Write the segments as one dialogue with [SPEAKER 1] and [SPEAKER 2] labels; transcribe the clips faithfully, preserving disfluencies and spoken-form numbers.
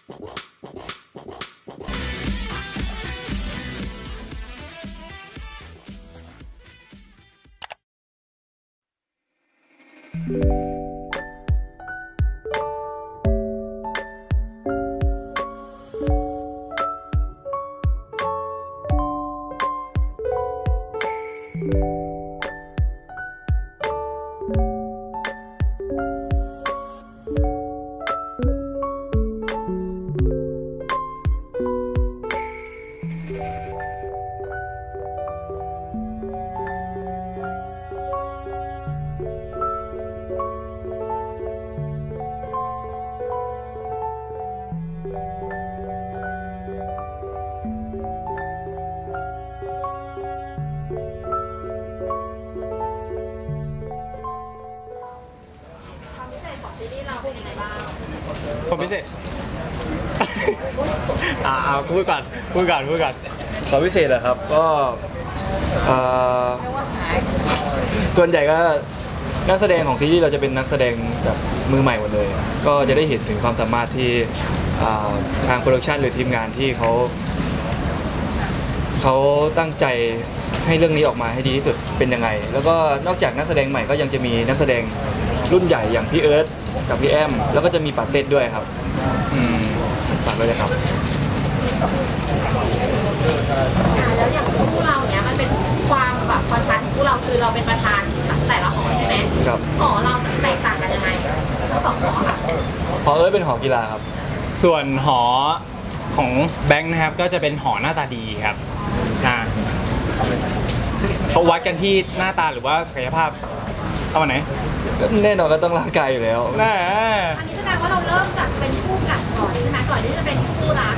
[SPEAKER 1] ความพิเศษอ่าพูดก่อนพูดก่อนพูดก่อน
[SPEAKER 2] ความพิเศษเหรอครับก็ส่วนใหญ่ก็นักแสดงของซีรีส์เราจะเป็นนักแสดงแบบมือใหม่หมดเลยก็จะได้เห็นถึงความสามารถที่ทางโปรดักชันหรือทีมงานที่เขาเขาตั้งใจให้เรื่องนี้ออกมาให้ดีที่สุดเป็นยังไงแล้วก็นอกจากนักแสดงใหม่ก็ยังจะมีนักแสดงรุ่นใหญ่อย่างพี่เอิร์ธกับพี่แอมแล้วก็จะมีปาเต้ด้วยครับอืมฝากด้วยเลยครับ
[SPEAKER 3] แล้วอย่างคู่เราเนี้ยมันเป็นความแบบคอนทราสต์ของคู่เราคือเราเป็นประธานแต่ละหอใช่ไหม
[SPEAKER 2] ครับ
[SPEAKER 3] หอเราแตกต่างกันยังไงทั้งสองหอค่ะ
[SPEAKER 2] หอเอิร์ธเป็นหอกีฬาครับ
[SPEAKER 1] ส่วนหอของแบงค์นะครับก็จะเป็นหอหน้าตาดีครับอ่าเขาวัดกันที่หน้าตาหรือว่าศักยภาพเอาไหน
[SPEAKER 2] แน่นอนก็ต้องร่างกายอยู่แล้ว
[SPEAKER 1] แน่
[SPEAKER 3] อันนี้แสดงว่าเราเริ่มจากเป็นคู่กัดก่อนใช่ไหมก่อนที่จะเป็นคู่รัก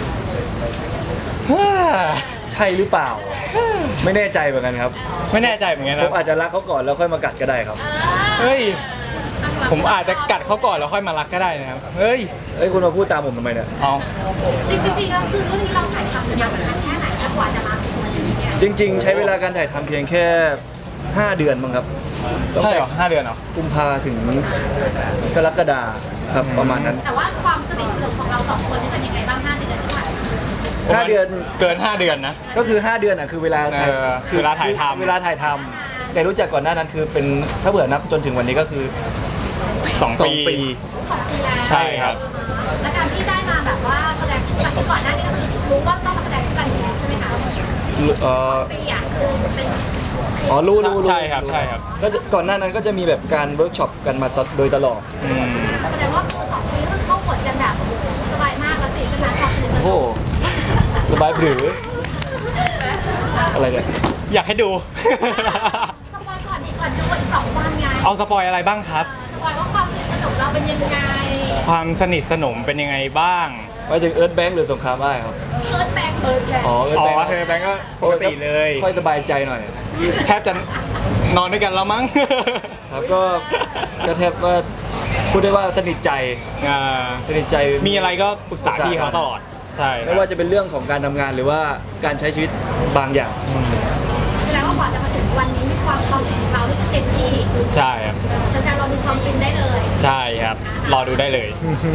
[SPEAKER 2] ใช่หรือเปล่าไม่แน่ใจเหมือนกันครับ
[SPEAKER 1] ไม่แน่ใจเหมือนกันค
[SPEAKER 2] ผ
[SPEAKER 1] รับ
[SPEAKER 2] มอาจจะรักเขาก่อนแล้วค่อยมากัดก็ได้ครับ
[SPEAKER 1] เฮ้ยผมอาจจะกัดเขาก่อนแล้วค่อยมารักก็ได้นะครับเฮ้ย
[SPEAKER 2] เฮ้ยคุณมาพูดตามผมทำไมเนี่ย
[SPEAKER 1] อ๋อ
[SPEAKER 3] จริงจริงๆแล้วคือเรื่องนี้เราถ่ายทำกันมาสักแค่ไหนกว่าจะมาถึงวันนี้เนี่ย
[SPEAKER 2] จริงๆใช้เวลาการถ่ายทำเพียงแค่ห้าเดือนมั้งครับ
[SPEAKER 1] ใช่เหรอห้าเดือนเหรอ
[SPEAKER 2] กุมภาถึงกรกฎาครับประมาณนั้น
[SPEAKER 3] แต่ว่าความสนิทสนมของเราสองคนนี่เป็นยังไงบ้างห้าเดือนที่ผ่านมา
[SPEAKER 2] ห้าเดือน
[SPEAKER 1] เกินห้าเดือนนะ
[SPEAKER 2] ก็คือห้าเดือนอ่ะคือเวลา
[SPEAKER 1] ถ่ายเวลาถ่ายทำ
[SPEAKER 2] เวลาถ่ายทำแต่รู้จักก่อนหน้านั้นคือเป็นถ้าเผื่อนับจนถึงวันนี้ก็คือ
[SPEAKER 1] สองปี
[SPEAKER 3] สองปีแล้ว
[SPEAKER 1] ใช่ครับ
[SPEAKER 3] และการที่ได้มาแบบว่าแสดงคู่กันก่อนหน้านี้ก็คือรู้ว่าต้องมาแสดงคู่กันอยู่แล้วใช่ไหมคะ
[SPEAKER 2] เอ่อ
[SPEAKER 3] ปีอ่ะคือเป็น
[SPEAKER 2] อ๋อรู้รู้
[SPEAKER 1] ใช่ครับใช่ครับ
[SPEAKER 2] ก็ก่อนหน้านั้นก็จะมีแบบการเวิร์กช็อปกันมาโดยตลอด
[SPEAKER 3] แสดงว่าสองปีก็เข้าบทกันแบบสบายมากแล้วสิใช่ไหมความสนิทสนม
[SPEAKER 2] โอ้สบายหรืออะไรเนี่ย
[SPEAKER 1] อยากให้ดู
[SPEAKER 3] สปอยก่อนอีกก่อนจะอีกสองวันไง
[SPEAKER 1] เอาสปอยอะไรบ้างครับ
[SPEAKER 3] สปอยว่าความสนิทสนมเราเป็นยังไง
[SPEAKER 1] ความสนิทสนมเป็นยังไงบ้าง
[SPEAKER 2] ไปถึงเอิร์ธแบงค์หรือสงครามอ้ายครับ
[SPEAKER 3] เอิร์ธแบงค์เอิร์ธแบงค์
[SPEAKER 2] อ๋อเอิร์ธแบงค์
[SPEAKER 1] อ๋อเอิร์ธแบงค์ก็ปกติเลย
[SPEAKER 2] ค่อยสบายใจหน่อย
[SPEAKER 1] แทบจะนอนด้วยกันแล้วมั้ง
[SPEAKER 2] ครับก็ก็แทบว่าพูดได้ว่าสนิทใจสนิทใจ
[SPEAKER 1] มีอะไรก็ปรึกษาพี่เขาตลอดใช่
[SPEAKER 2] ไม่ว่าจะเป็นเรื่องของการทำงานหรือว่าการใช้ชีวิตบางอย่าง
[SPEAKER 3] แสดงว่ากว่าจะมาถึงวันนี้ความความสนิทของเราที่เต็มที่
[SPEAKER 1] ใช่ครับ
[SPEAKER 3] จะการรอดูความฟินได้เลย
[SPEAKER 1] ใช่ครับรอดูได้เลย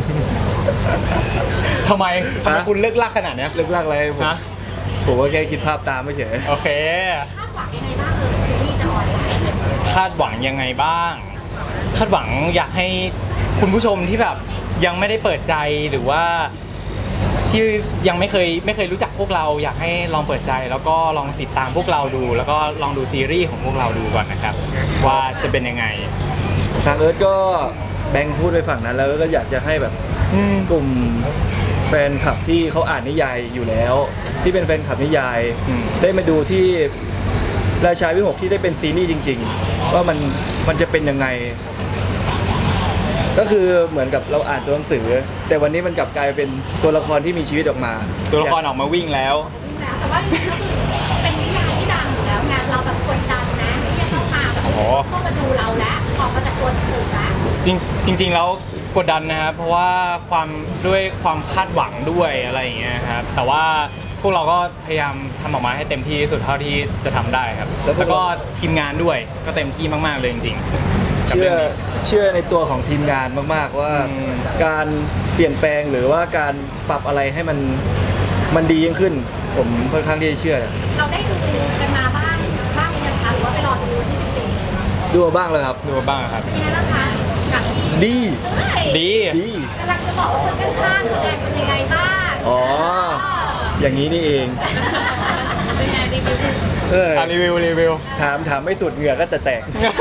[SPEAKER 1] ทำไมทำไมคุณเลิกลักขนาดนี้
[SPEAKER 2] เลิกลักอะไรผมผมก็แค่คิดภาพตามไม่เฉย
[SPEAKER 1] โอเค
[SPEAKER 3] คาดหวังยังไงบ้างเลยซีรีส์จะออน
[SPEAKER 1] คาดหวังยังไงบ้างคาดหวังอยากให้คุณผู้ชมที่แบบยังไม่ได้เปิดใจหรือว่าที่ยังไม่เคยไม่เคยรู้จักพวกเราอยากให้ลองเปิดใจแล้วก็ลองติดตามพวกเราดูแล้วก็ลองดูซีรีส์ของพวกเราดูก่อนนะครับว่าจะเป็นยังไง
[SPEAKER 2] ทางเอิร์ธก็แบงค์พูดไปฝั่งนั้นแล้วก็อยากจะให้แบบกลุ่มแฟนคลับที่เขาอ่านนิยายอยู่แล้วที่เป็นแฟนคลับนิยายได้มาดูที่ราชาวิหกที่ได้เป็นซีรีส์จริงๆว่ามันมันจะเป็นยังไงก็คือเหมือนกับเราอ่านตัวหนังสือแต่วันนี้มันกลับกลายเป็นตัวละครที่มีชีวิตออกมา
[SPEAKER 1] ตัวละครออกมาวิ่งแล้ว
[SPEAKER 3] แต่ว่าเป็นนิยายที่ดังอยู่แล้วงานเราแบบกดดันนะที่จะเข้ามาแบบต้องมาดูเราแล้วออกมาจากตัวหนังสือแล้ว
[SPEAKER 1] จริงจริงๆแล้วกดดันนะครับเพราะว่าความด้วยความคาดหวังด้วยอะไรอย่างเงี้ยครับแต่ว่าพวกเราก็พยายามทำออกมาให้เต็มที่สุดเท่าที่จะทำได้ครับแล้วก็ทีมงานด้วยก็เต็มที่มากๆเลยจริงๆ
[SPEAKER 2] เชื่อเชื่อในตัวของทีมงานมากๆว่า
[SPEAKER 1] อืม
[SPEAKER 2] การเปลี่ยนแปลงหรือว่าการปรับอะไรให้มันมันดียิ่งขึ้น ผมค่อนข้างที่จะเชื่อ
[SPEAKER 3] เราได้ดูกันมาบ้างบ้างยังคะหรือว่าไปรอดูวันที่สิบสี่
[SPEAKER 2] ดูมาบ้างแล้วครับ
[SPEAKER 1] ดูบ้างครับ
[SPEAKER 3] เป็นยังไงบ้างคะกับที่
[SPEAKER 2] ดี
[SPEAKER 3] เฮ้ย
[SPEAKER 1] ดี
[SPEAKER 2] ดี
[SPEAKER 3] กำลังจะบอกว่าคนข้างๆแสดงเป็นยังไงบ้าง
[SPEAKER 2] อ๋อ อย่างนี้นี่เอง
[SPEAKER 3] เป็นไงรีวิว
[SPEAKER 2] เออ
[SPEAKER 1] อ่ะรีวิวรีวิว
[SPEAKER 2] ถามถามไม่สุดเหงื่อก็จะแตก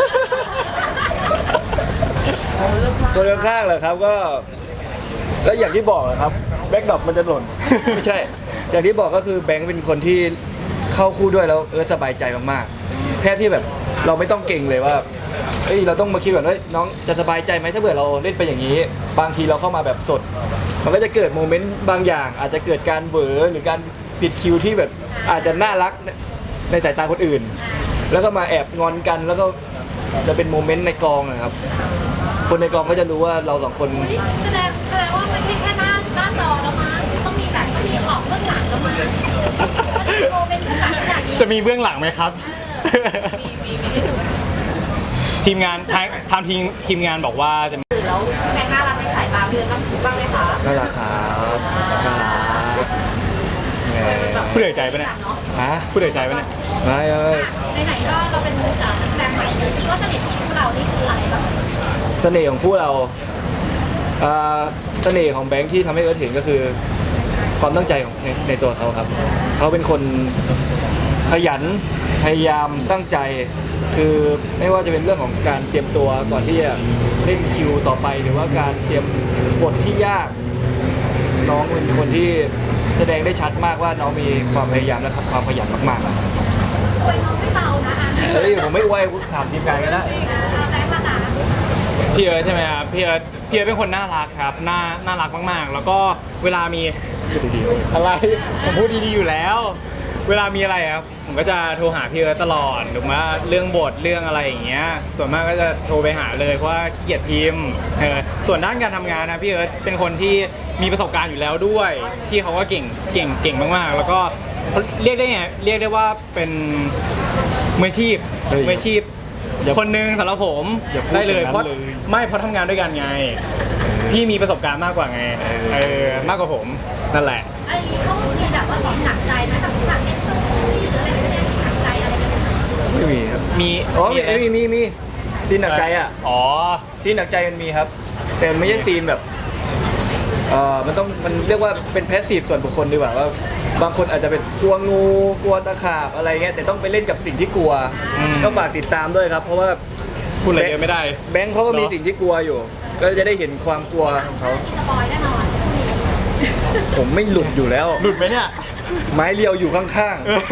[SPEAKER 2] คนข้างๆเหรอครับก็ก็อย่างที่บอกแหละครับแบ็กดรอปมันจะหล่น ไม่ใช่ อย่างที่บอกก็คือแบงค์เป็นคนที่เข้าคู่ด้วยแล้วเออสบายใจมากๆแค่ที่แบบเราไม่ต้องเก่งเลยว่าเอ้ยเราต้องมาคิดก่อนว่าน้องจะสบายใจไหมถ้าเกิดเราเล่นไปอย่างนี้ บางทีเราเข้ามาแบบสด มันก็จะเกิดโมเมนต์บางอย่าง อาจจะเกิดการเบอหรือการผิดคิวที่แบบอาจจะน่ารักในสายตาคนอื่น แล้วก็มาแอบงอนกันแล้วก็จะเป็นโมเมนต์ในกองนะครับ คนในกองก็จะรู้ว่าเราสองคน
[SPEAKER 3] อุ๊ยแสดงแสดงว่าไม่ใช่แค่หน้าหน้าจอแล้วมั้งต้องมีแบบต้องมีออกเบื้องหลังแล้วมั้งโมเป็นเบื้องหลังขนาดนี้
[SPEAKER 1] จะมีเบื้องหลังไหมครับ
[SPEAKER 3] มีมีมีที่สุด
[SPEAKER 1] ทีมงานทางทางทีมทีมงานบอกว่าจะมี
[SPEAKER 3] แล้วแม่น่ารักในสายตาเพื่อนต้องถูกบ้างไหมคะ
[SPEAKER 2] น่ารักครับน่ารักแหม
[SPEAKER 1] พูดเหนื่อยใจปะเนี่ย
[SPEAKER 3] เนาะ
[SPEAKER 2] ฮะ
[SPEAKER 1] พูดเหนื่อยใจปะเนี่ย
[SPEAKER 2] ไม่เอ้ย
[SPEAKER 3] ไหนๆก็เราเป็นนักแสดงใหม่ก็สนิทของพวกเรานี่คืออะไรบ้าง
[SPEAKER 2] เสน่ห์ของคู่เราอ่าเสน่ห์ของแบงค์ที่ทำให้เอิร์ธเห็นก็คือ ความตั้งใจของในในตัวเขาครับ เขาเป็นคนขยันพยายามตั้งใจ คือไม่ว่าจะเป็นเรื่องของการเตรียมตัวก่อนที่จะเล่นคิวต่อไป หรือว่าการเตรียมบทที่ยาก น้องเป็นคนที่แสดงได้ชัดมากว่าน้องมีความพยายามและความขยันมากๆนะ
[SPEAKER 3] คุยน้องไม่เบานะอ่ะ
[SPEAKER 2] เฮ้ยผมไม่ไว้ถามทีมงานกันนะ
[SPEAKER 3] แบงค์ละนะ
[SPEAKER 1] พี่เอิร์ธใช่ไหมครับพี่เอิร์ธพี่เอิร์ธเป็นคนน่ารักครับน่าน่ารักมากๆ แล้วก็เวลามี
[SPEAKER 2] พูดดีๆเว้ย
[SPEAKER 1] อะไรผมพูดดีๆอยู่แล้ว เวลามีอะไรครับผมก็จะโทรหาพี่เอิร์ธตลอดหรือว่าเรื่องบทเรื่องอะไรอย่างเงี้ยส่วนมากก็จะโทรไปหาเลยเพราะว่าขี้เกียจพิมพ์เออส่วนด้านการทำงานนะพี่เอิร์ธเป็นคนที่มีประสบการณ์อยู่แล้วด้วยพี่เขาก็เก่งเก่งเก่งมากๆ แล้วก็เรียกได้ไงเรียกได้ว่าเป็นมืออาชีพ
[SPEAKER 2] เฮ้ย
[SPEAKER 1] มืออาชีพ
[SPEAKER 2] อย่า
[SPEAKER 1] คนหนึ่งสำหรับผม
[SPEAKER 2] อย่าพูด
[SPEAKER 1] ได้เลย
[SPEAKER 2] อย่างนั้น
[SPEAKER 1] เพราะ
[SPEAKER 2] เลย
[SPEAKER 1] ไม่เพราะทำงานด้วยกันไง พี่มีประสบการณ์มากกว่าไง
[SPEAKER 2] เออ
[SPEAKER 1] เออมากกว่าผมนั่นแหละ
[SPEAKER 3] ไอ้เขามีแบบว่าสอนหนักใจไหมแบบฉากเอ็กซ์โซซี่หรืออะไรพวกเนี้ยมีหนักใจอะไรกันไหม
[SPEAKER 2] ไม่มีครับ
[SPEAKER 1] มี
[SPEAKER 2] อ๋อมี
[SPEAKER 1] อะไร
[SPEAKER 2] มีมีมีซีนหนักใจอ่ะ
[SPEAKER 1] อ๋อ
[SPEAKER 2] ซีนหนักใจมันมีครับ แต่มันไม่ใช่ซีนแบบเอ่อมันต้องมันเรียกว่าเป็นแพสซีฟส่วนบุคคลดีกว่าว่าบางคนอาจจะเป็นกลัวงูกลัวตะขาบอะไรเงี้ยแต่ต้องไปเล่นกับสิ่งที่กลัว
[SPEAKER 1] อืม
[SPEAKER 2] ก็ฝากติดตามด้วยครับ เพราะว่า
[SPEAKER 1] พูดอะไรเยอะไม่ได้
[SPEAKER 2] แบงค์เขาก็มี
[SPEAKER 1] เหรอ
[SPEAKER 2] สิ่งที่กลัวอยู่ ก็จะได้เห็นความกลัวของเขา
[SPEAKER 3] มีสปอยแน่นอน
[SPEAKER 2] ผมไม่หลุดอยู่แล้ว
[SPEAKER 1] หลุดไหมเนี่ย
[SPEAKER 2] ไม้เรียวอยู่ข้าง
[SPEAKER 3] เออ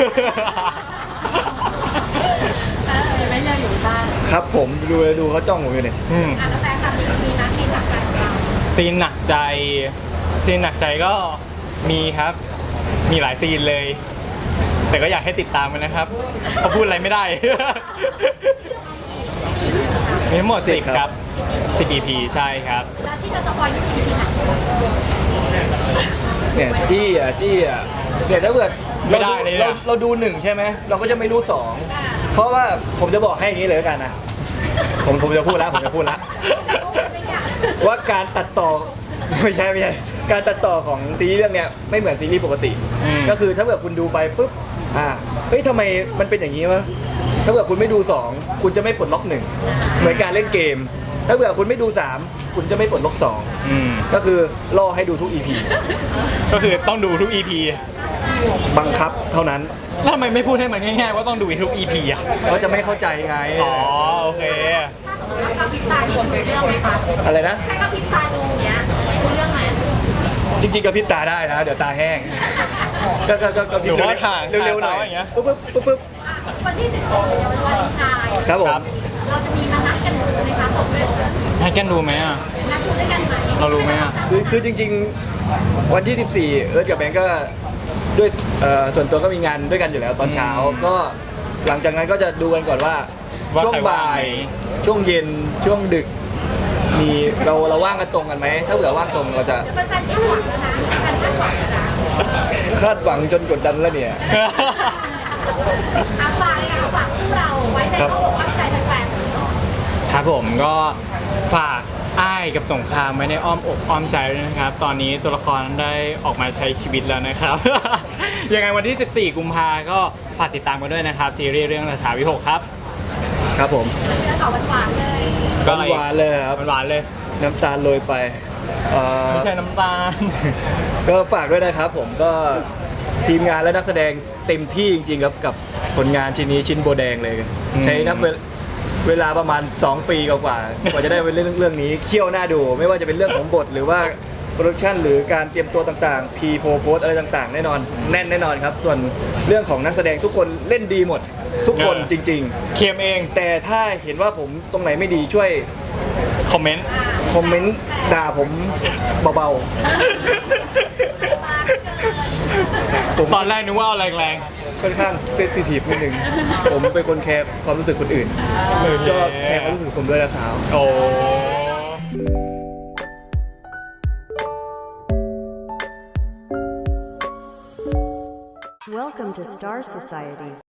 [SPEAKER 3] ไม่เลือกอยู่บ้าน
[SPEAKER 2] ๆ ครับผมดูเลยดูเขาจ้องผมอยู่เนี่ย
[SPEAKER 1] อืม
[SPEAKER 3] อ่ะแล้วแฟนคลับมีนะซีนหนักใจของเรา
[SPEAKER 1] ซีนหนักใจซีนหนักใจก็มีครับ มีหลายซีนเลย แต่ก็อยากให้ติดตามกันนะครับเพราะพูดอะไรไม่ได้ มีทั้งหมดสิบครับสิบ อี พี ใช่ครับ
[SPEAKER 3] แล้วที่จะสปอยอยู่ที่ไหน
[SPEAKER 2] เนี่ยจี้อ่ะจี้อ่ะเนี่ยถ้าเกิด
[SPEAKER 1] ไม่ได้เลย
[SPEAKER 2] เรา
[SPEAKER 1] นะ
[SPEAKER 2] เราดูหนึ่งใช่ไหมเราก็จะไม่รู้สองเพราะว่าผมจะบอกให้อย่างนี้เลยแล้วกันนะผมผมจะพูดแล้วผมจะพูดแล้วว่าการตัดต่อ ไม่ใช่ไม่ใช่การตัดต่อของซีรีส์เรื่องเนี้ยไม่เหมือนซีรีส์ปกติ
[SPEAKER 1] อืม
[SPEAKER 2] ก็คือถ้าเกิดคุณดูไปปุ๊บอ่าเฮ้ยทำไมมันเป็นอย่างนี้วะถ้าเกิดคุณไม่ดูสองคุณจะไม่ปลดล็อกหนึ่งเหมือนการเล่นเกม ถ้าเกิดคุณไม่ดูสามคุณจะไม่ปลดล็อกสอง
[SPEAKER 1] อืม
[SPEAKER 2] ก็คือล่อให้ดูทุก อี พี
[SPEAKER 1] ก็คือต้องดูทุก อี พี
[SPEAKER 2] บังคับเท่านั้น
[SPEAKER 1] แล้วทำไมไม่พูดให้มันง่ายๆว่าต้องดูทุก อี พี อ่ะ
[SPEAKER 2] เขาจะไม่เข้าใจไง
[SPEAKER 1] อ๋อโอเค
[SPEAKER 3] ถ้าพิมพ์ตาดูเรื่องไหมคะ
[SPEAKER 2] อะไรนะ
[SPEAKER 3] ถ้าก็พิมพ์ตาดูเนี้ยดูเรื่องไหม
[SPEAKER 2] จริงๆกระพริบตาได้นะ เดี๋ยวตาแห้ง ก็ก็ก็กระพริบ
[SPEAKER 1] หรือว่าถ่าง
[SPEAKER 2] เร็วๆหน่อย
[SPEAKER 1] ถ่างตาอย่างเงี้ย
[SPEAKER 2] ปุ๊บปุ๊บปุ๊บปุ๊บ
[SPEAKER 3] วันที่สิบสี่วันวาเลนไทน์
[SPEAKER 2] ครับผม
[SPEAKER 3] เราจะมีมานัดกันดูในคลาสสองเลย
[SPEAKER 1] ให้กันดูไหมอ่ะ
[SPEAKER 3] นัดดูด้วยกันไหม
[SPEAKER 1] เรารู้ไหมอ่ะ
[SPEAKER 2] คือคือจริง ๆ วันที่สิบสี่เอิร์ธกับแบงก์ก็ด้วยเอ่อส่วนตัวก็มีงานด้วยกันอยู่แล้วตอนเช้า
[SPEAKER 1] อืม
[SPEAKER 2] ก็หลังจากนั้นก็จะดูกันก่อนว่า
[SPEAKER 1] ว่า
[SPEAKER 2] ช่วง
[SPEAKER 1] ใครว่าง
[SPEAKER 2] บ่าย
[SPEAKER 1] ไหม
[SPEAKER 2] ช่วงเย็นช่วงดึก มีเราเราว่างกันตรงกันไหมถ้าเผื่อว่างตรงเราจะ
[SPEAKER 3] เดี๋ยวแฟนๆคาดหวังแล้วนะแฟนๆคาดหวังแล้วนะ
[SPEAKER 2] คาดหวังจนกดดันแล้วเนี่ย
[SPEAKER 3] อาฝากเลยค่ะฝากพวกเราไว้ในข้อบอกว่าใจแฟนๆ
[SPEAKER 1] ครับครับผมก็ฝากอ้ายกับสงครามไว้ในอ้อมอกอ้อมใจด้วยนะครับ ตอนนี้ตัวละครได้ออกมาใช้ชีวิตแล้วนะครับ ยังไงวันที่ สิบสี่ กุมภาก็ฝากติดตามกันด้วยนะครับ ซีรีส์เรื่องราชาวิหกครับ
[SPEAKER 2] ครับผม
[SPEAKER 3] เนื้อต่อหวานๆเลย
[SPEAKER 1] ก็อะไร
[SPEAKER 2] หวานๆเลยครับ
[SPEAKER 1] หวานๆเลย
[SPEAKER 2] น้ำตาลโรยไปเอ่อ
[SPEAKER 1] ไม่ใช่น้ำตาล
[SPEAKER 2] ก็ฝากด้วยนะครับผมก็ทีมงานและนักแสดงเต็มที่จริงๆครับกับผลงานชิ้นนี้ชิ้นโบแดงเลย
[SPEAKER 1] อืม
[SPEAKER 2] ใช้นับเวลเวลาประมาณ สอง ปีกว่าๆกว่าจะได้เป็นเรื่องเรื่องนี้เคี่ยวหน้าดู ไม่ว่าจะเป็นเรื่องของบทหรือว่าโปรดักชันหรือการเตรียมตัวต่างๆพีโพโพสอะไรต่างๆ แน่นอนแน่นแน่นอนครับ ส่วนเรื่องของนักแสดงทุกคนเล่นดีหมด ทุกคนจริง
[SPEAKER 1] เคียมเอง
[SPEAKER 2] ๆ แต่ถ้าเห็นว่าผมตรงไหนไม่ดีช่วย
[SPEAKER 1] คอมเมนต์
[SPEAKER 2] คอมเมนต์ด่าผมเบาๆผม
[SPEAKER 1] ตอนแรกนึกว่าเอาแรง
[SPEAKER 2] ค่อนข้างเซนซิทีฟนิดนึง ผมเป็นคนแคร์ความรู้สึกคนอื่น
[SPEAKER 1] โอเค
[SPEAKER 2] ก็แคร์ความรู้สึกผมด้วยนะครับ
[SPEAKER 1] ๆ โอ้
[SPEAKER 4] Welcome to Star Society.